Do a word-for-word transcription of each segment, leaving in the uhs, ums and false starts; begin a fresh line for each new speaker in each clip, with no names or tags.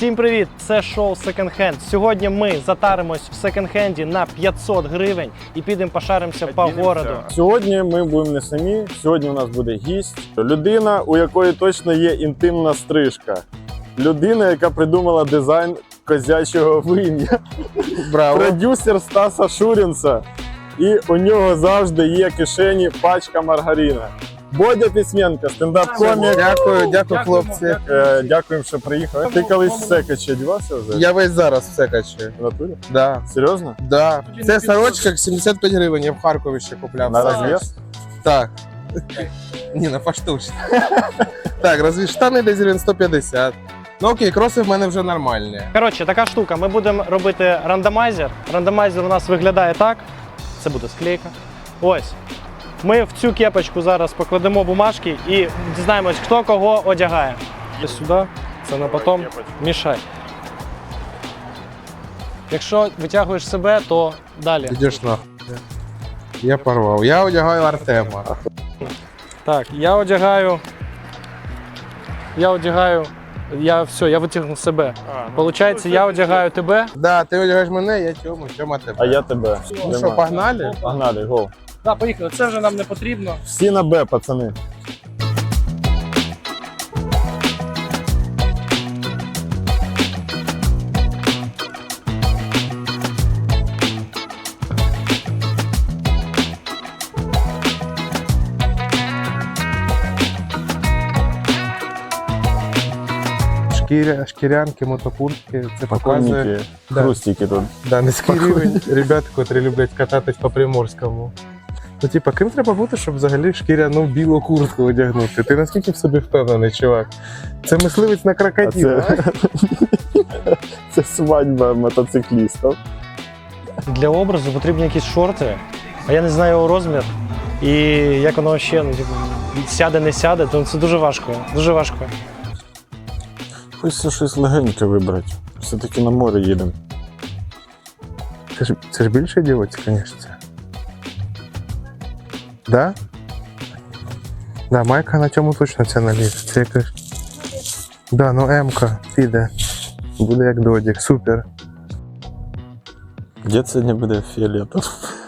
Всім привіт! Це шоу Second Hand. Сьогодні ми затаримось в секонд-хенді на п'ятсот гривень і підемо пошаримося по городу.
Сьогодні ми будемо не самі, сьогодні у нас буде гість. Людина, у якої точно є інтимна стрижка. Людина, яка придумала дизайн козячого вим'я.
Браво.
Продюсер Стаса Шурінца. І у нього завжди є в кишені пачка маргарина. Бодя Письменко, стендап-комік.
Дякую, дякую, хлопці.
Е, Дякуємо, що приїхали. Ти колись в секачі одягався вже?
Я весь зараз в секачі.
В натурі?
Да.
Серйозно?
Да. Це сорочка сімдесят п'ять гривень, я в Харкові ще купляв.
На розв'яз?
Так. Ні, на поштучно. Так, розв'яз штани десь гривень сто п'ятдесят. Ну окей, кроси в мене вже нормальні.
Коротше, така штука. Ми будемо робити рандомайзер. Рандомайзер у нас виглядає так. Це буде склейка. Ось. Ми в цю кепочку зараз покладемо бумажки і дізнаємось, хто кого одягає. І сюди, це на потом. Мішай. Якщо витягуєш себе, то далі.
Ідеш нахуй. Я порвав. Я одягаю Артема.
Так, я одягаю. Я одягаю. Я все, я витягнув себе. Получається, я одягаю тебе.
Да, ти одягаєш мене, я Тьому, Тьома тебе.
А я тебе.
Ну що, погнали?
Погнали, го.
Так, поїхали. Це вже нам не потрібно.
Всі на Б, пацани.
Шкіря, шкірянки, мотокуртки, це показує.
Покойники,
Да.
хрустики тут.
Да, низький рівень ребят, котрі люблять кататись по Приморському. Ну, типа, ким треба бути, щоб взагалі шкіряну білу куртку одягнути? Ти наскільки в собі впевнений, чувак? Це мисливець на
А
крокодила.
це... це свадьба мотоциклістів.
Для образу потрібні якісь шорти, а я не знаю його розмір. І як воно ще ну, типу, сяде, не сяде, то це дуже важко. Дуже важко.
Хочеться щось легеньке вибрати. Все-таки на море їдемо.
Це ж, це ж більше дівоці, звісно. Да? Да, майка на цьому точно це налізе. Це якась... Да, ну М-ка піде. Буде як додік, супер.
Дід сьогодні буде фіолетом.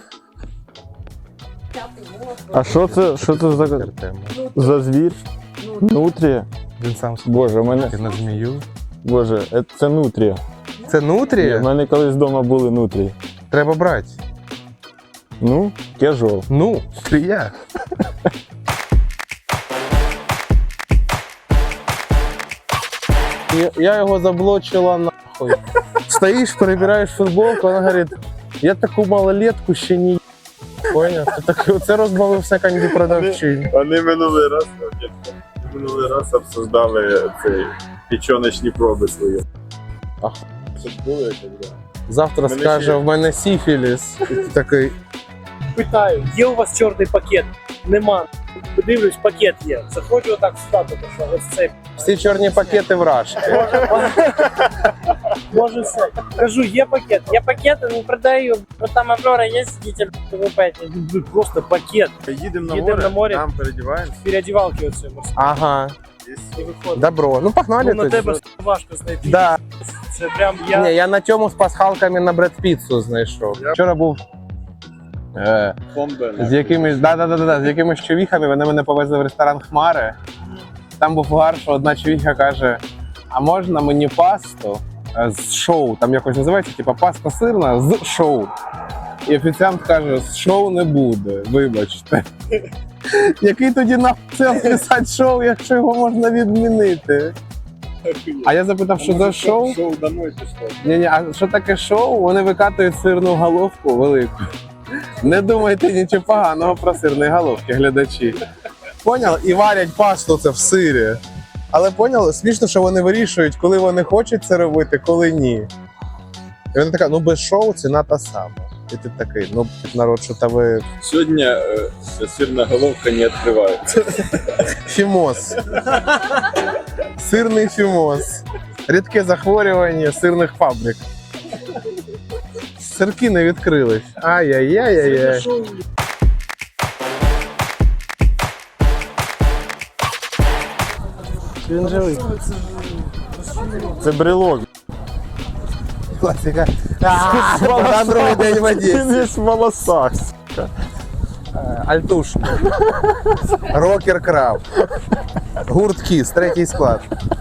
А що це, що це за,
Артема.
за звір? Нутрія?
Він сам
Боже, у мене...
на змію.
Боже, е, це нутрія.
Це нутрія?
У мене колись вдома були нутрії.
Треба брати.
Ну, кежуал.
Ну, трія. Я, я його заблочила нахуй. Стоїш, перебираєш футболку, вона говорить, я таку малолетку ще не поняв. Ти так, оце розбавив в секонді продавчинь.
Вони минулий раз, минулий раз обсуждали цей печоночні проби свої.
Ах.
Це ж було як да.
Завтра
Мене
скаже,
ще-
в мене сіфіліс. І ти такий,
Питаю, є у вас чорний пакет? Нема. Подивлюсь, пакет є. Заходжу отак сюди, тому що ось цей.
всі чорні пакети вражки.
Може все. Кажу, є пакет. Я пакети не продаю, бо там Аврора є, сидите, ви п'єте. Просто пакет.
Їдемо на
Їдемо
море,
на море.
там передіваємося.
Переодівалки оце морські.
Ага,
І виходить.
добро. Ну погнали
Ну, на
тоді.
тебе важко знайти.
Да.
Це прям я.
Ні, я на цьому з пасхалками на Бред Піццу знайшов. Вчора був е, з якимись, да, да, да, да, з якимись човіхами, вони мене повезли в ресторан Хмари. Там був гар, що одна човіха каже, а можна мені пасту е, з шоу, там якось називається, типа паста сирна з шоу. І офіціант каже, з шоу не буде, вибачте. Який тоді нахуй сенс писати шоу, якщо його можна відмінити? А я запитав, що за шоу?
Шоу домой пішло.
Ні-ні, а що таке шоу? Вони викатують сирну головку велику. Не думайте нічого поганого про сирні головки, глядачі. Поняли? І варять пасту це в сирі. Але поняли, смішно, що вони вирішують, коли вони хочуть це робити, коли ні. І вона така, ну без шоу ціна та сама. І ти такий, ну народ, що та ви...
Сьогодні е, сирна головка не відкривається.
Фімоз. Сирний фімоз. Рідке захворювання сирних фабрик. Сирки не відкрились. Ай-яй-яй-яй-яй.
Він живий.
Це брелок.
Класика.
В
На другий день в
Він
Одесі.
весь в волосах.
Альтушник. Рокер Краб. Гурт Кіс, третій склад.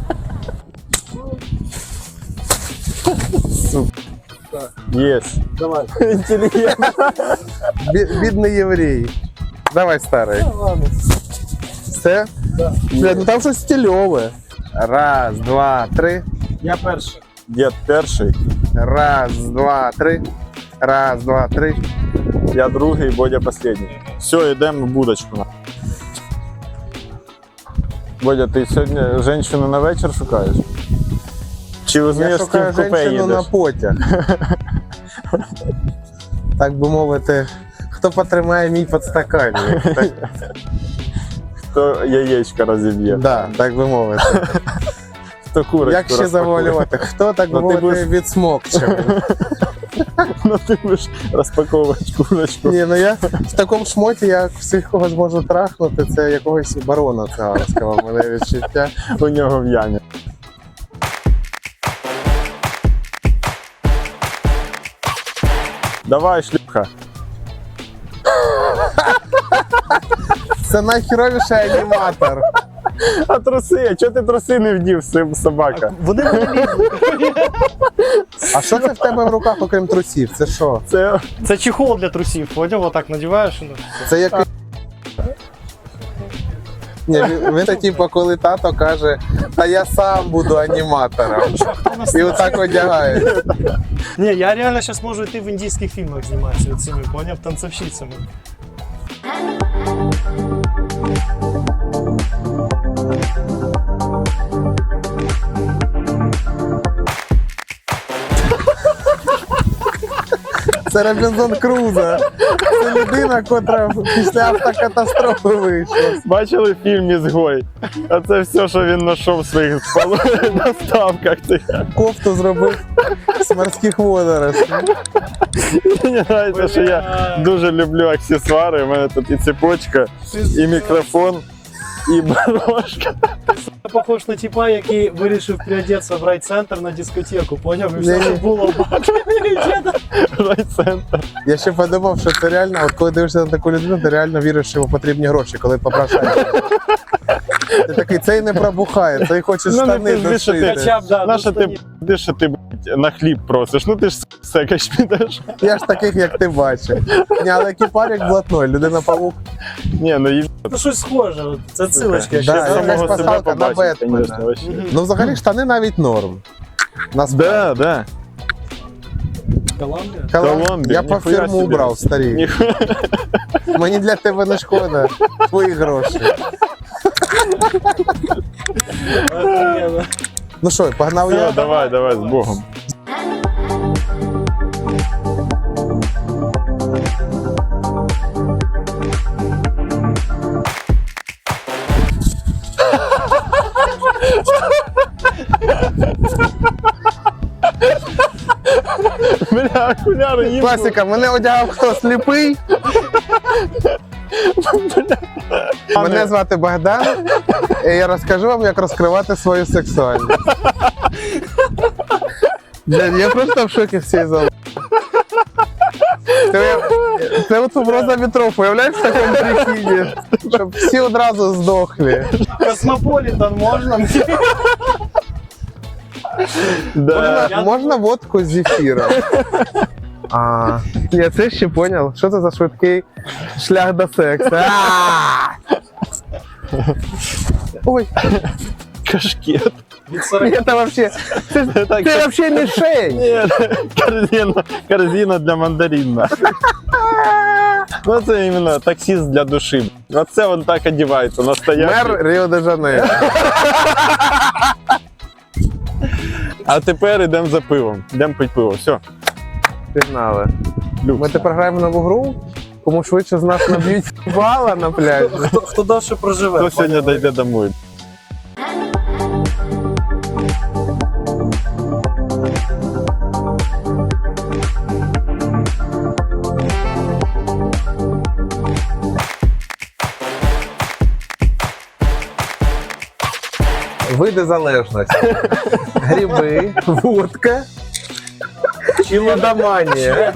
Єс.
Давай.
Інтелігент.
Бі- Бідний єврей. Давай, старий. Все?
Да.
Блядь, ну там щось стильове. Раз, два, три.
Я перший.
Дід перший,
Раз, два, три. Раз, два, три.
я другий, Бодя останній. Все, йдемо в будочку. на. Бодя, ти сьогодні жінку на вечір шукаєш? Чи
Я
візьмеш з ким
шукаю
в купе
жінку на
їдеш?
потяг. Так би мовити, хто потримає мій підстаканник. Так,
Хто яєчка розіб'є?
да, так би мовити.
Хто курочку
Як ще
розпакує?
завуалювати? Хто, так би
Ну, ти
мовити,
будеш-
відсмокчив?
Ну ти будеш розпаковувати курочку.
Ні, ну я в такому шмоті, я всіх кого зможу трахнути, це якогось барона циганського, в мене відчуття.
У нього в ямі. Давай, шлюха.
Це найхіровіший аніматор.
А труси, а чого ти труси не вдів, сим- собака?
Вони не лізуть.
А що це в тебе в руках, окрім трусів? Це що?
Це
Це чехол для трусів, поняв? Отак надіваєш. і ну, все.
Це як. Ні, він, він це типу, коли тато каже, та я сам буду аніматором. І отак одягає.
Ні, я реально зараз можу йти в індійських фільмах зніматися цими, поняв, танцовщицями.
Це Робінзон Крузо. Це людина, котра після автокатастрофи вийшла.
бачили фільм «Ізгой»? А це все, що він знайшов в своїх спал- доставках.
Кофту зробив з морських водоростей.
Мені подобається, що я дуже люблю аксесуари. У мене тут і цепочка, і мікрофон, і барошка.
Я похож на типа, який вирішив приодеться в райцентр на дискотеку, поняв? І все,
Ні-ні.
що було.
Райцентр.
Я ще подумав, що це реально, от коли дивишся на таку людину, ти реально віриш, що йому потрібні гроші, коли попрошаєш. Ти такий, цей не пробухає, цей хоче
Ну, не
штани
пизди, що ти-
дошити.
Хоча б, да,
Нащо
ну,
ти,
штанів.
б***ь, що ти б***ь, на хліб просиш? Ну ти ж секач підеш.
Я ж таких, як ти бачив. Ні, але екіпар як блатной, людина-павук.
Ні, ну і
Ну щось схоже, от це цилочка.
Да,
ще
якась
самого
самого
себе.
себе
пасхалка на
побачить,
Бетмена.
конечно, вообще.
Мгм.
Ну, взагалі, штани навіть норм. Нас
Да, да.
Колумбія?
Колумбія. Я по
ніхуя
фірму
собі.
убрав, старий.
Ніхуя.
Мені для тебе не шкода. Твої гроші.
Охуєнно.
Ну що, погнав
Все,
я.
давай, давай, з Богом. Бля, окуляри їм.
Класика, мене одягав хто сліпий. Мене звати Богдан, і я розкажу вам, як розкривати свою сексуальність. Блядь, я просто в шокі всієї зали. Це, це от роза вітров, уявляєш в такому прикиді? Щоб всі одразу здохли.
Космополітан можна?
Да.
Можна, можна водку з зефіром. А, я це ще поняв. Що це за швидкий шлях до сексу? А! Ой,
Кашкет.
Від сорока.
це вообще, це,
Так,
це вообще мішень.
Ні, корзина, корзина для мандарина. Ну це іменно таксист для душі. Оце він так одягається, настоящий.
Мер Ріо-де-Жанейро.
А тепер йдемо за пивом. Йдемо пити пиво. Все.
Пігнали.
Люкс.
Ми тепер граємо нову гру. Кому швидше з нас наб'ють бала на пляжі.
Хто, хто довше проживе?
Хто сьогодні дійде домой?
Ви види залежності. Гриби, водка і лудоманія.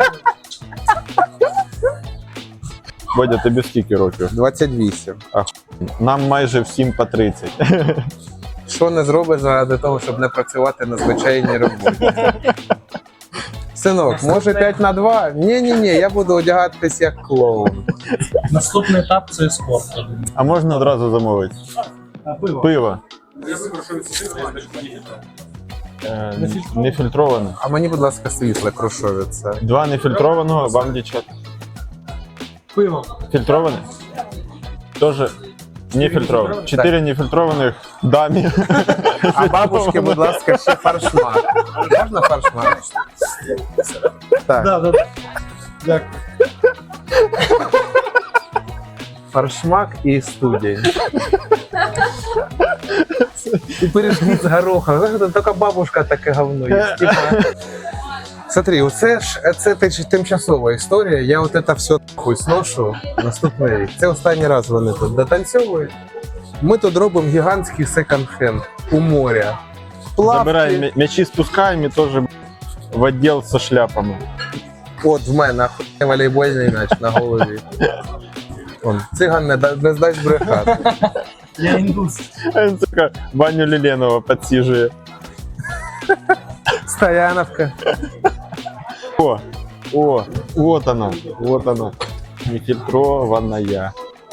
Бодя, тобі скільки років?
двадцять вісім.
Нам майже всім по тридцять.
Що не зробиш заради того, щоб не працювати на звичайній роботі? Синок, може п'ять на два? Ні-ні-ні, я буду одягатись як клоун.
Наступний етап це спорт.
А можна одразу замовити?
Пиво.
Пиво. Е, Нефільтроване.
А мені, будь ласка, світле крушовіце.
Два нефільтрованого, вам дівчат.
Пиво.
Фільтроване? Тоже нефільтроване. Чотири нефільтрованих дамі.
А бабушки, будь ласка, ще фаршмак. Можна фаршмак? Так,
Да, да, да. Дякую.
фаршмак і студень. І пиріжки з горохом. Знаєш, там тільки бабушка таке говно є. Типа... Смотри, оце ж це тимчасова історія. Я от це все хуй сношу наступний рік. Це останній раз вони тут дотанцьовують. Ми тут робимо гігантський секонд-хенд у моря.
Забираємо м'я- м'ячі, спускаємо і теж в відділ зі шляпами.
От в мене охуєнний волейбольний м'яч на голові. Он, циган не, да- не здасть брехати.
Я індус.
А він така Ваню Ліленова підсіжує.
Стояновка.
О, о, вот она, вот она. Нефильтрованная.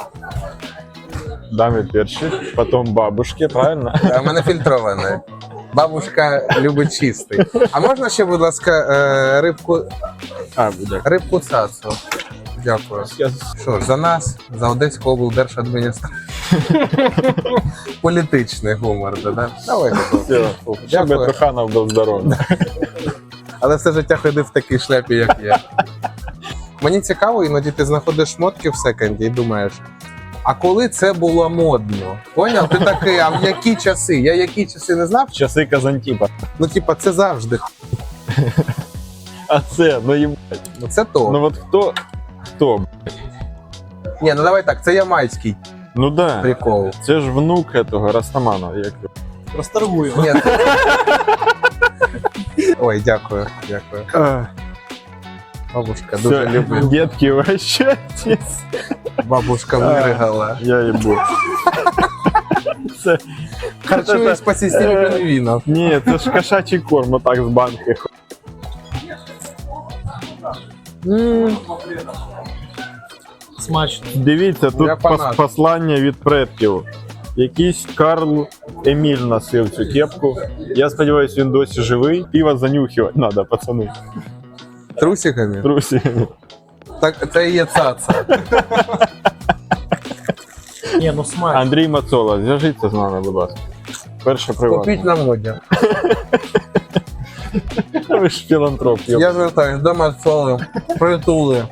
Даме перші, потім бабушки, правильно?
А в мене фільтроване. Бабушка любить чистий. А можна ще, будь ласка, е, рибку,
А, буде.
рибку цацу? Дякую. Що ж, за нас, за Одеську облдержадміністрацію. Політичний гумор, да? Давайте.
Все, щоб
Дякую.
Труханов був здоровий.
Але все життя ходив в такій шляпі, як я. Мені цікаво, іноді ти знаходиш шмотки в секонді і думаєш, а коли це було модно? Поняв? Ти такий, а в які часи? Я які часи не знав?
Часи Казантіпа.
Ну, типа, це завжди.
А це, ну їм.
Ну, це то.
Ну от хто? Хто?
Ні, ну давай так, це ямайський
Ну да.
прикол.
Це ж внук этого Растаманова. Як... його?
Розторгую.
Ні. це- Ой, дякую, дякую. Бабушка дуже
Все,
любить.
детки, вращайтесь.
Бабушка виригала.
Я їбу. Це...
Харчуюсь по системі пінгвінів.
Ні, це ж кошачий корм, отак з банки.
Смачно.
Дивіться, тут
Я
пос-
фанат.
послання від предків. Якийсь Карл Еміль носив цю кепку. Я сподіваюся, він досі живий. Пиво занюхувати треба, пацани.
Трусиками?
Друзі.
Так, це і є цаца.
Ні, ну смачно.
Андрій Мацола, зв'яжіться з нами, будь ласка. Перше приватне.
Купіть на моді.
Ви ж філантроп. йоп.
Я звертаюсь до Марцоли, притули.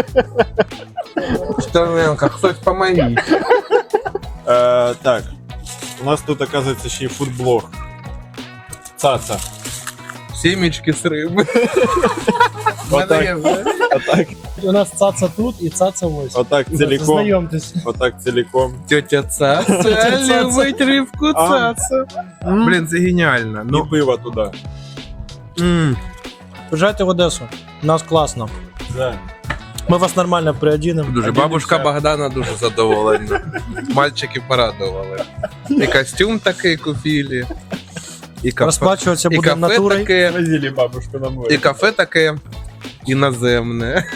Стерненко, хтось помогіть.
Е, так, у нас тут, оказується, ще й фудблог. Цаца.
Сімечки з риби.
Отак, отак,
У нас цаца тут і цаца ось.
отак ціліком.
Знайомтесь.
Отак ціліком.
Тетя Цаца любить рибку
А.
Цаца. Блін, це геніально.
І
Ну,
пиво туди.
м.
Приїжджайте в Одесу. У нас класно.
Да.
Ми вас нормально приодінемо.
Дуже бабушка Богдана дуже задоволена. Мальчики порадували. І костюм такий купили. І кафе,
Розплачуватися
і
будемо
кафе
натурою.
таке,
Возили бабушку на море.
і кафе таке іноземне.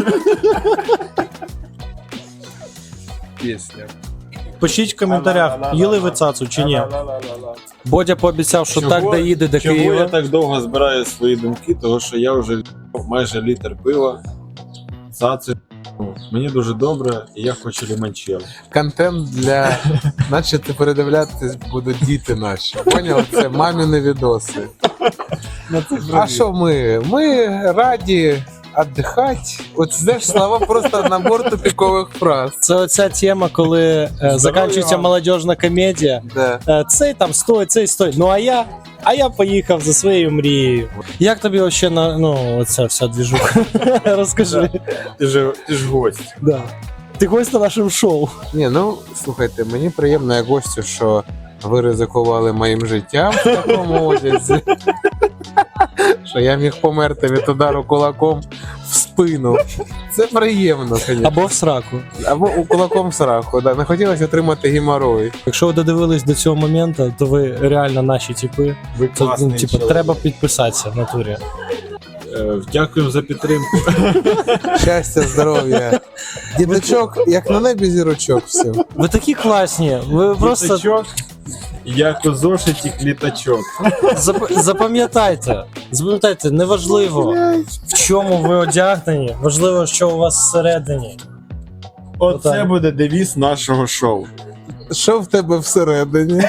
Пісня.
Пишіть в коментарях, їли ви цацу чи ні. Бодя пообіцяв, що так доїде до
Чого я
Києва.
так довго збираю свої думки? Тому що я вже майже літр пива. Цаци. Мені дуже добре, і я хочу лімончелло.
Контент для. Наче ти передивлятись будуть діти наші. Поняв? Це маміни відоси. А що ми? Ми раді віддихати. От знаєш, слова просто набор тупікових фраз.
Це оця тема, коли е, закінчується
вам.
молодіжна комедія.
Да.
Е, цей там стой, цей стой. Ну а я, а я поїхав за своєю мрією. Як тобі взагалі на ну оця вся двіжуха? Розкажи.
Ти ж, ти ж гость.
Да. Ти гость на нашому шоу.
Ні, ну слухайте, мені приємно як гостю, що ви ризикували моїм життям в такому одязі, що я міг померти від удару кулаком в спину. Це приємно, звісно.
Або в сраку.
Або у кулаком в сраку, да. Не хотілося отримати геморой.
Якщо ви додивились до цього моменту, то ви реально наші типи.
Ви
То, ну,
класний
типу,
чоловік.
треба підписатися в натурі.
Дякуємо за підтримку.
Щастя, здоров'я. Діточок, як на небі зірочок всім.
Ви такі класні. Ви просто
Літачок, як у зошиті клітачок.
зап- запам'ятайте. Запам'ятайте, неважливо, в чому ви одягнені, важливо, що у вас всередині.
Оце
Отак.
буде девіз нашого шоу.
Що в тебе всередині?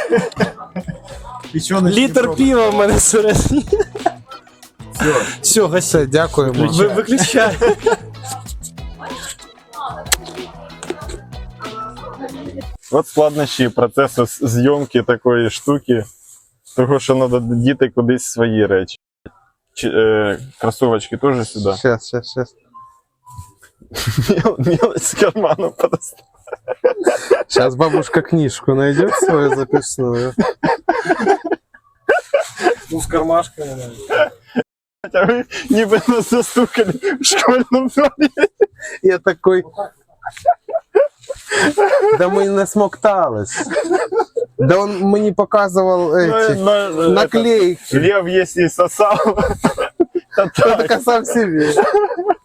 Літр пива в мене всередині.
Все.
Все, гасі.
Все, дякуємо.
Ви виключайте.
От складнощі процесу з- зйомки такої штуки, того, що треба діти кудись свої речі. Чи, е, кросовочки теж сюди.
Щас, щас, щас.
Мелочь з карману подостав.
Сейчас бабушка книжку найдет свою записную.
Ну, з кармашками.
А ви ніби нас застукали в школьному дворі.
Я такой... Да мы не смоктались. Да он мне показывал эти
Ну,
наклейки.
Лев, если сосал, то
Я
так.
только сам себе.